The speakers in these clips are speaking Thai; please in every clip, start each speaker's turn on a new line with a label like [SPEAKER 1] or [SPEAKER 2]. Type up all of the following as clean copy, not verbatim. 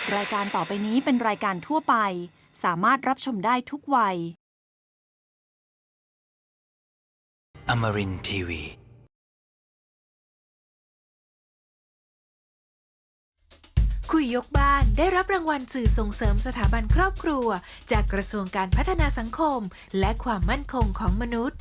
[SPEAKER 1] รายการต่อไปนี้เป็นรายการทั่วไปสามารถรับชมได้ทุกวัย
[SPEAKER 2] Amarin Tiwi
[SPEAKER 3] คุยยกบ้านได้รับรางวัลสื่อส่งเสริมสถาบันครอบครัวจากกระทรวงการพัฒนาสังคมและความมั่นคงของมนุษย์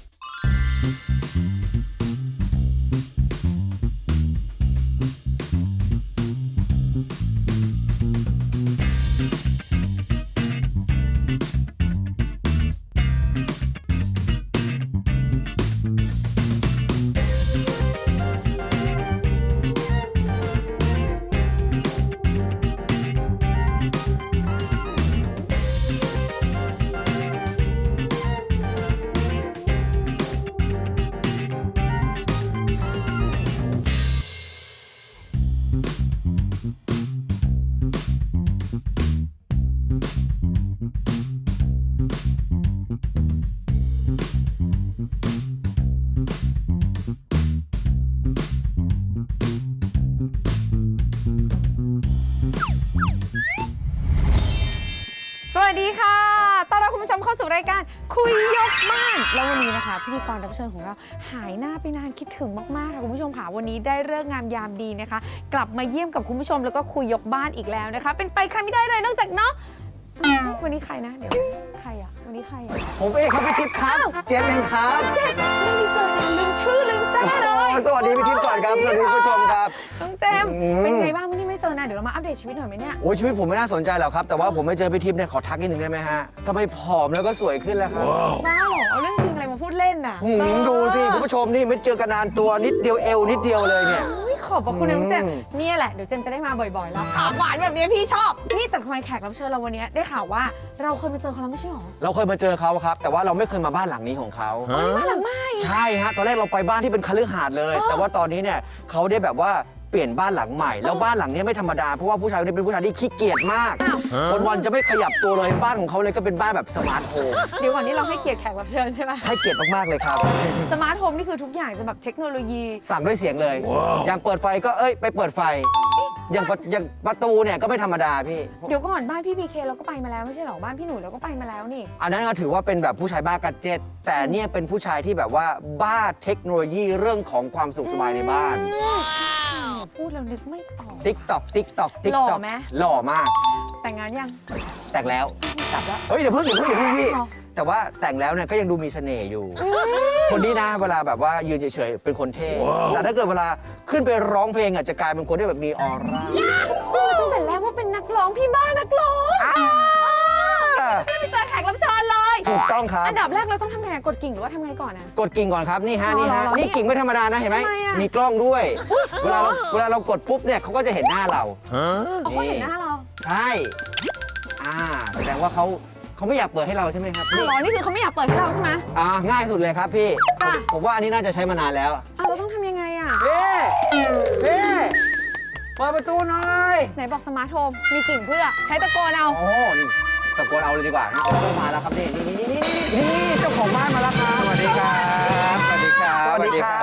[SPEAKER 4] สวัสดีค่ะ ต้อนรับคุณผู้ชมเข้าสู่รายการคุยยกบ้าน แล้ววันนี้นะคะพิธีกรรับเชิญของเราหายหน้าไปนานคิดถึงมากๆค่ะคุณผู้ชมค่ะวันนี้ได้ฤกษ์งามยามดีนะคะ กลับมาเยี่ยมกับคุณผู้ชมแล้วก็คุยยกบ้านอีกแล้วนะคะ เป็นไปใครไม่ได้เลยนอกจากเนาะวันนี้ใครนะเดี๋ยวใครอะวันนี้ใครอะ
[SPEAKER 5] ผมเองครับพี่ทิพย์ครับเจมส์เองครับ
[SPEAKER 4] เจ๊ไม่ได้เจอนานลืมชื่อลืมแซ่เลย
[SPEAKER 5] สวัสดีพี่ทิพย์ก่อนครับสวัสดีผู้ชมครับ
[SPEAKER 4] น้องเจมส์เป็นไงบ้างวันนี้ไม่เจอนานเดี๋ยวเรามาอัปเดตชีวิตหน่อยไหมเนี่ย
[SPEAKER 5] โอ้ยชีวิตผมไม่น่าสนใจหรอกครับแต่ว่าผมไม่เจอพี่ทิพย์เนี่ยขอทักนิดนึงได้ไหมฮะทำไมผอมแล้วก็สวยขึ้นแล้วครับ
[SPEAKER 4] บ้าเหรอเอาเรื่องจริงอะไรมาพูดเล่นน่ะ
[SPEAKER 5] ดูสิคุณผู้ชมนี่ไม่เจอกันนานตัวนิดเดียวเอวนิดเดียวเลยเนี่ย
[SPEAKER 4] ขอบพระคุณนะน้องเจมส์เนี่ยแหละเดี๋ยวเจมส์จะได้มาบ่อยๆแล้วถามหวานแบบนี้พี่ชอบนี่แต่ทำไมแขกรับเชิญเราวันนี้ได้ข่าวว่าเราเคยมาเจอเขาแล้วไม่ใช่หรอ
[SPEAKER 5] เราเคยมาเจอเขาครับแต่ว่าเราไม่เคยมาบ้านหลังนี้ของเขา
[SPEAKER 4] บ้านหลังใหม่
[SPEAKER 5] ใช่ฮะตอนแรกเราไปบ้านที่เป็นคฤหาสน์เลย แต่ว่าตอนนี้เนี่ยเขาได้แบบว่าเปลี่ยนบ้านหลังใหม่แล้วบ้านหลังนี้ไม่ธรรมดาเพราะว่าผู้ชายคนนี้เป็นผู้ชายที่ขี้เกียจมากวันๆจะไม่ขยับตัวเลยบ้านของเขาเลยก็เป็นบ้านแบบสมาร์ทโฮม
[SPEAKER 4] เดี๋ยวก่อนนี่เราให้เกียรติแขกรับเชิญใช่ไหม
[SPEAKER 5] ให้เกียรติมากๆเลยครับ
[SPEAKER 4] สมาร์ทโฮมนี่คือทุกอย่างจะแบบเทคโนโลยี
[SPEAKER 5] สั่งด้วยเสียงเลย อย่างเปิดไฟก็ไปเปิดไฟ อย่างประตูเนี่ยก็ไม่ธรรมดาพี่
[SPEAKER 4] เดี๋ยวก่อนบ้านพี่พีเคเราก็ไปมาแล้วไม่ใช่หรอบ้านพี่หนูเราก็ไปมาแล้วนี่
[SPEAKER 5] อันนั้นก็ถือว่าเป็นแบบผู้ชายบ้ากัดเจ็ตแต่เนี่ยเป็นผู้ชายที่แบบว่าบ้าเทคโนโลยีเรื่องของความสุขสบายในบ้าน
[SPEAKER 4] พูดแล้วนึกไม่ออก
[SPEAKER 5] ติ๊กต็อกติ๊กต็อกติ๊ก
[SPEAKER 4] หล่
[SPEAKER 5] ต็
[SPEAKER 4] อ
[SPEAKER 5] อก
[SPEAKER 4] ไหม
[SPEAKER 5] หล่อมาก
[SPEAKER 4] แต่งงานยัง
[SPEAKER 5] แต่งแล้ว
[SPEAKER 4] กลับแล้ว
[SPEAKER 5] เฮ้ยเดี๋ยวเพิ่งพี่
[SPEAKER 4] หรอ
[SPEAKER 5] แต่ว่าแต่งแล้วเนี่ยก็ยังดูมีเสน่ห์อยู่ คนนี้นะเวลาแบบว่ายืนเฉยๆเป็นคนเท่แต่ถ้าเกิดเวลาขึ้นไปร้องเพลงอ่ะจะกลายเป็นคนที่แบบมีออร่า
[SPEAKER 4] ตั้งแต่แรกว่าเป็นนักร้องพี่บ้านักร้อง ไม่ไปเจอแขกรับเชิญเลย
[SPEAKER 5] ถูกต้องครับ
[SPEAKER 4] อันดับแรกเราต้องทำไงกดกิ่งหรือว่าทำไงก่อนนะ
[SPEAKER 5] กดกิ่งก่อนครับนี่ฮะนี่ฮะ
[SPEAKER 4] อ๋อ
[SPEAKER 5] นี่กิ่งไม่ธรรมดานะเห็นไหม
[SPEAKER 4] ทำไมอะ
[SPEAKER 5] มีกล้องด้วยเวลาเรากดปุ๊บเนี่ยเขาก็จะเห็นหน้าเรา
[SPEAKER 4] เขาเห็นหน้าเรา
[SPEAKER 5] ใช่แสดงว่าเขาไม่อยากเปิดให้เราใช่ไหมครับ
[SPEAKER 4] อ้าวเหรอนี่คือเขาไม่อยากเปิดให้เราใช่ไหม
[SPEAKER 5] ง่ายสุดเลยครับพี่
[SPEAKER 4] จ้ะ
[SPEAKER 5] ผมว่าอันนี้น่าจะใช้มานานแล้ว
[SPEAKER 4] อ้าวเราต้องทำยังไงอ่ะ
[SPEAKER 5] เปิดประตูหน่อย
[SPEAKER 4] ไหนบอกสมาร์ทโฮมมีกิ่งเพื่อใช้ตะโกนเอา
[SPEAKER 5] โอ้นี่ตะโกนเอาเลยดีกว่านะมาแล้วครับนี่เจ้าของบ้านมาแล้วครับ
[SPEAKER 2] สวัสดีครับสวัสดีครับ
[SPEAKER 5] สวัสดีครับ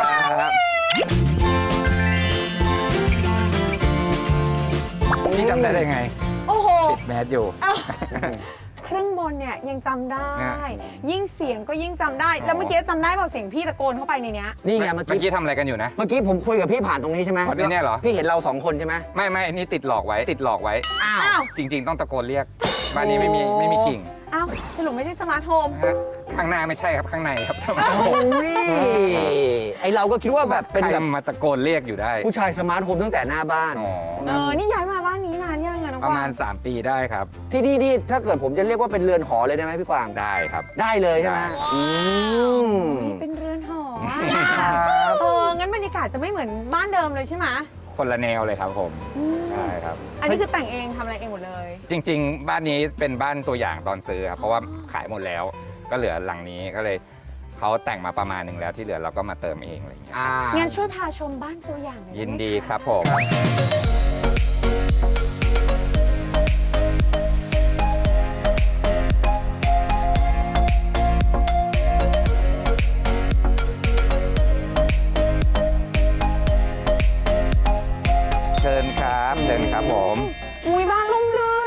[SPEAKER 2] พี่จำได้ไง
[SPEAKER 4] โอ้โห
[SPEAKER 2] ติดแมสอยู่
[SPEAKER 4] ครึ่งบนเนี่ยยังจำได้
[SPEAKER 2] อ่ะ
[SPEAKER 4] ยิ่งเสียงก็ยิ่งจำได้ แล้วเมื่อกี้จำได้เปล่าเสียงพี่ตะโกนเข้าไปในเนี้ย
[SPEAKER 5] นี่ไงเมื่
[SPEAKER 2] เมื่
[SPEAKER 5] อ
[SPEAKER 2] อ
[SPEAKER 5] กี้
[SPEAKER 2] กี้ทำอะไรกันอยู่นะ
[SPEAKER 5] เมื่อกี้ผมคุยกับพี่ผ่านตรงนี้ใช่ไหม
[SPEAKER 2] อ๋อเนี่ยเหรอ
[SPEAKER 5] พี่เห็นเราสองคนใช่ไหม
[SPEAKER 2] ไม่อันนี้ติดหลอกไว้
[SPEAKER 5] อ้าว
[SPEAKER 4] อ้าว
[SPEAKER 2] จริง ๆ ต้องตะโกนเรียก บ้านนี้ไม่มีกิ่ง
[SPEAKER 4] อ้าวสรุปไม่ใช่สมาร์ทโฮม
[SPEAKER 2] ฮะข้างหน้าไม่ใช่ครับข้างในครับ
[SPEAKER 5] โอ้ยไอเราก็คิดว่าแบบเป็น
[SPEAKER 2] ใคร
[SPEAKER 5] แบบ
[SPEAKER 2] มาตะโกนเรียกอยู่ได้
[SPEAKER 5] ผู้ชายสมาร์ทโฮมตั้งแต่หน้าบ้าน
[SPEAKER 2] อ๋อ
[SPEAKER 4] นี่ย้ายมาบ้านนี้นานยังอะน้อง
[SPEAKER 2] ประ
[SPEAKER 4] กวา
[SPEAKER 2] มาณ
[SPEAKER 4] ง
[SPEAKER 2] 3 ปีได้ครับ
[SPEAKER 5] ที่นี่ถ้าเกิดผมจะเรียกว่าเป็นเรือนหอเลยได้ไหมพี่กวาง
[SPEAKER 2] ได้ครับ
[SPEAKER 5] ได้เลยใช่ไหม
[SPEAKER 2] ได้
[SPEAKER 4] เป็นเรือนหอ
[SPEAKER 5] ครับ
[SPEAKER 4] งั้นบรรยากาศจะไม่เหมือนบ้านเดิมเลยใช่ไหม
[SPEAKER 2] คนละแนวเลยครับผม
[SPEAKER 4] อืม
[SPEAKER 2] ใช่ครับ
[SPEAKER 4] อันนี้คือแต่งเองทำอะไรเองหมดเลย
[SPEAKER 2] จริง ๆ บ้านนี้เป็นบ้านตัวอย่างตอนซื้อครับเพราะว่าขายหมดแล้ว ก็เหลือหลังนี้ก็เลยเขาแต่งมาประมาณหนึ่งแล้วที่เหลือเราก็มาเติมเองอะไรอย่างเงี้ย
[SPEAKER 4] งั้นช่วยพาชมบ้านตัวอย่างหน่อย
[SPEAKER 2] ยิน
[SPEAKER 4] ไไหม
[SPEAKER 2] ดี
[SPEAKER 4] ะ
[SPEAKER 2] ครับผม เชิญครับผม
[SPEAKER 4] อุ้ยบ้านร่มรื่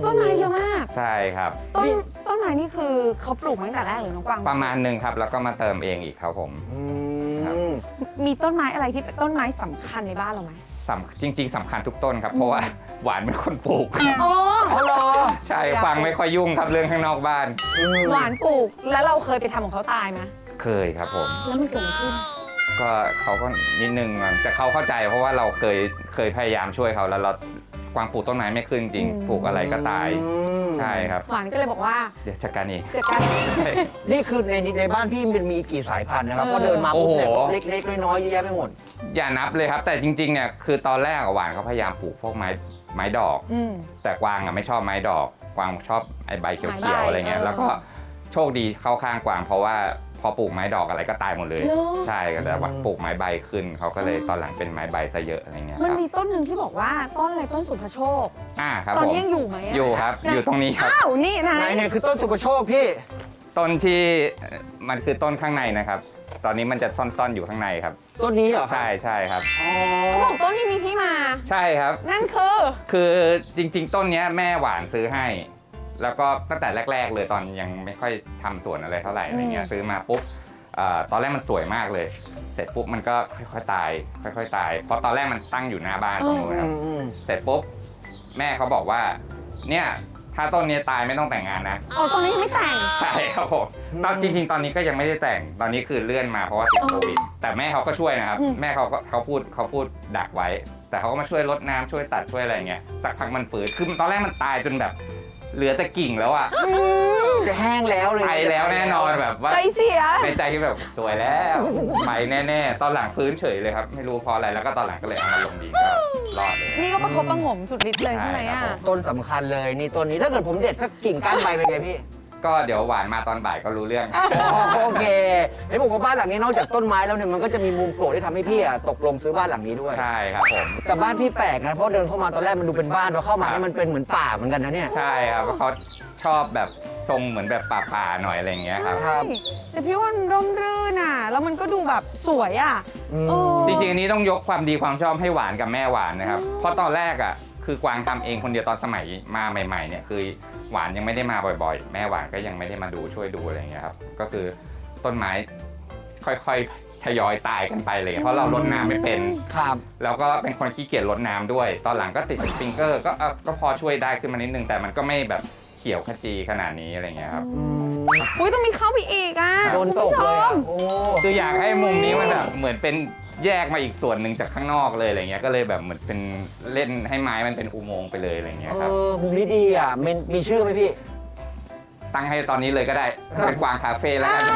[SPEAKER 4] ต้นไม้เยอะมาก
[SPEAKER 2] ใช่ครับ
[SPEAKER 4] ต้นไม้นี่คือเขาปลูกมาตั้งแต่แรกหรือน้องกวาง
[SPEAKER 2] ประมาณหนึ่งครับแล้วก็มาเติมเองอีกครับผม ครับ
[SPEAKER 4] มีต้นไม้อะไรที่เป็นต้นไม้สำคัญในบ้านเราไหม
[SPEAKER 2] จริง ๆสำคัญทุกต้นครับ เพราะว่าหวานเป็นคนปลูก
[SPEAKER 4] โอ้
[SPEAKER 5] อ๋อเหรอ
[SPEAKER 2] ใช่ฟังไม่ค่อยยุ่งครับเรื่องข้างนอกบ้าน
[SPEAKER 4] หวานปลูกแล้วเราเคยไปทำของเขาตายไหม
[SPEAKER 2] เคยครับผม
[SPEAKER 4] แล้วมันเกิดอะไรขึ้น
[SPEAKER 2] ก็เขาก็นิดนึงมันแต่เขาเข้าใจเพราะว่าเราเคยพยายามช่วยเขาแล้วเรากวางปลูกต้นไม้ไม่ขึ้นจริงปลูกอะไรก็ตาย ใช่ครับ
[SPEAKER 4] หวานก็เลยบอกว่า
[SPEAKER 2] เดี๋ยวจัดการเอง
[SPEAKER 4] จัดการ
[SPEAKER 5] นี่คือในบ้านพี่มันมีกี่สายพันธุ์นะครับพอเดินมาปุ๊บเนี่ยก็เล็กๆน้อยๆเยอะแยะไปหมด
[SPEAKER 2] อย่านับเลยครับ แต่จริงๆเนี่ยคือตอนแรกหวานเขาพยายามปลูกพวกไม้ดอก แต่กวางไม่ชอบไม้ดอก กวางชอบไอ้ใบเขียวๆอะไรเงี้ยแล้วก็โชคดีเข้าข้างกวางเพราะว่าพอปลูกไม้ดอกอะไรก็ตายหมดเลย ใช่แต่ว่าปลูกไม้ใบขึ้นเขาก็เลยตอนหลังเป็นไม้ใบซะเยอะอะไรเงี้ยค
[SPEAKER 4] มัน
[SPEAKER 2] รับ
[SPEAKER 4] มีต้นหนึ่งที่บอกว่าต้นอะไรต้นสุภโชค
[SPEAKER 2] ครับ
[SPEAKER 4] ตอน
[SPEAKER 2] ผม
[SPEAKER 4] นี้ยังอยู่ไหมะ
[SPEAKER 2] อยู่ครับอยู่ตรงนี้ครับ
[SPEAKER 4] อ้าวนี่นะ
[SPEAKER 5] ไหนเนี่ยคือต้นสุปโชคพี่
[SPEAKER 2] ต้นที่มันคือต้นข้างในนะครับ ตอนนี้มันจะซ่อนๆอยู่ข้างในครับ
[SPEAKER 5] ต้นนี้เหรอครับ
[SPEAKER 2] ใช่ครับ
[SPEAKER 5] อ๋อ
[SPEAKER 4] เขาบอกต้นนี้มีที่มา
[SPEAKER 2] ใช่ครับ
[SPEAKER 4] นั่นคือ
[SPEAKER 2] คือจริงๆ ต้นเนี้ยแม่หวานซื้อให้ แล้วก็ตั้งแต่แรก ๆ เลยตอนยังไม่ค่อยทำสวนอะไรเท่าไหร่อะไรเงี้ยซื้อมาปุ๊บตอนแรกมันสวยมากเลย เสร็จปุ๊บมันก็ค่อยๆตาย ค่อยๆตาย เพราะตอนแรกมันตั้งอยู่หน้าบ้านตรงนู้นครับ เสร็จปุ๊บแม่เขาบอกว่าเนี่ยถ้าต้นนี้ตายไม่ต้องแต่งงานนะ
[SPEAKER 4] อ๋อตอนนี้ยังไม่แต่ง
[SPEAKER 2] ใช่ครับผมตอนจริงๆ ตอนนี้ก็ยังไม่ได้แต่ง ตอนนี้คือเลื่อนมาเพราะว่าติดโควิด แต่แม่เขาก็ช่วยนะครับ แม่เขาพูดดักไว้ แต่เขาก็มาช่วยรดน้ำช่วยตัดช่วยอะไรเงี้ย สักพักมันฝืนคือตอนแรกมันตายจนแบบเหลือแต่กิ่งแล้วอะ
[SPEAKER 5] จะแห้งแล้วเลย
[SPEAKER 2] ไปแล้วแน่นอนแบบว่า
[SPEAKER 4] ใจเสีย
[SPEAKER 2] ในใจคือแบบสวยแล้วไปแน่ๆ ตอนหลังฟื้นเฉยเลยครับ ไม่รู้เพราะอะไร แล้วก็ตอนหลังก็เลยเอามาลงดินก็รอดเลย
[SPEAKER 4] นี่ก็ประคบประหงมสุดฤทธิ์เลยใช่ไหม
[SPEAKER 2] ใช่
[SPEAKER 4] อ่ะ
[SPEAKER 2] ครับผม
[SPEAKER 5] ต้นสำคัญเลยนี่ต้นนี้ถ้าเกิดผมเด็ดสักกิ่งก้านใบเป็นไงพี่
[SPEAKER 2] ก็เดี๋ยวหวานมาตอนบ่ายก็รู้เรื่อง
[SPEAKER 5] อ๋อโอเคเห็นบอกว่าบ้านหลังนี้นอกจากต้นไม้แล้วเนี่ยมันก็จะมีมุมโปรดที่ทำให้พี่ตกลงซื้อบ้านหลังนี้ด้วย
[SPEAKER 2] ใช่ครับผม
[SPEAKER 5] แต่บ้านพี่แปลกนะเพราะเดินเข้ามาตอนแรกมันดูเป็นบ้านพอเข้ามานี่มันเป็นเหมือนป่าเหมือนกันนะเนี่ย
[SPEAKER 2] ใช่ครับเพราะเขาชอบแบบทรงเหมือนแบบป่าๆหน่อยอะไรอย่างเงี้ยครับ
[SPEAKER 5] ครับ
[SPEAKER 4] แต่พี่ว่ามันร่มรื่นอ่ะ แล้วมันก็ดูแบบสวยอ่ะ เออ
[SPEAKER 2] จริงๆอันนี้ต้องยกความดีความชอบให้หวานกับแม่หวานนะครับ เพราะตอนแรกอ่ะคือกวางทำเองคนเดียวตอนสมัยมาใหม่ๆเนี่ยคือหวานยังไม่ได้มาบ่อยๆ แม่หวานก็ยังไม่ได้มาดูช่วยดูอะไรอย่างเงี้ยครับ ก็คือต้นไม้ค่อยๆทยอยตายกันไปเลยเพราะเรารดน้ำไม่เป็น
[SPEAKER 5] ครับ
[SPEAKER 2] แล้วก็เป็นคนขี้เกียจรดน้ำด้วย ตอนหลังก็ติดสปริงเกอร์ก็พอช่วยได้ขึ้นมานิดนึงแต่มันก็ไม่แบบเขียวขจีขนาดนี้อะไรเงี้ยครับ
[SPEAKER 4] อุ้ยต้องมีเข้าไปอีกอ่ะ
[SPEAKER 5] โดนตกเลยอะโอ้
[SPEAKER 2] คืออยากให้มุมนี้มันแบบเหมือนเป็นแยกมาอีกส่วนหนึ่งจากข้างนอกเลยอะไรเงี้ยก็เลยแบบเหมือนเป็นเล่นให้ไม้มันเป็นอุโมงค์ไปเลยอะไรเงี้ยครับ
[SPEAKER 5] มุมนี้ดีอ่ะมีชื่อไหมพี่
[SPEAKER 2] ตั้งให้ตอนนี้เลยก็ได้เป็นกวางคาเฟ่แล้วกัน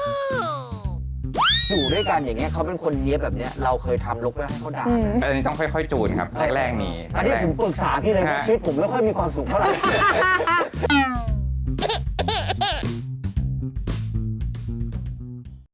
[SPEAKER 5] อยู่ด้วยกันอย่างเงี้ยเขาเป็นคนเนี้ยบแบบเนี้ยเราเคยทำลกแล้วให้เขาด่า
[SPEAKER 4] อืม
[SPEAKER 2] อันนี้ต้องค่อยๆจูนครับแรกๆมี
[SPEAKER 5] อันนี้ผมปรึกษาพี่เลยนะชีวิตผมไม่ค่อยมีความสุขเท่าไหร่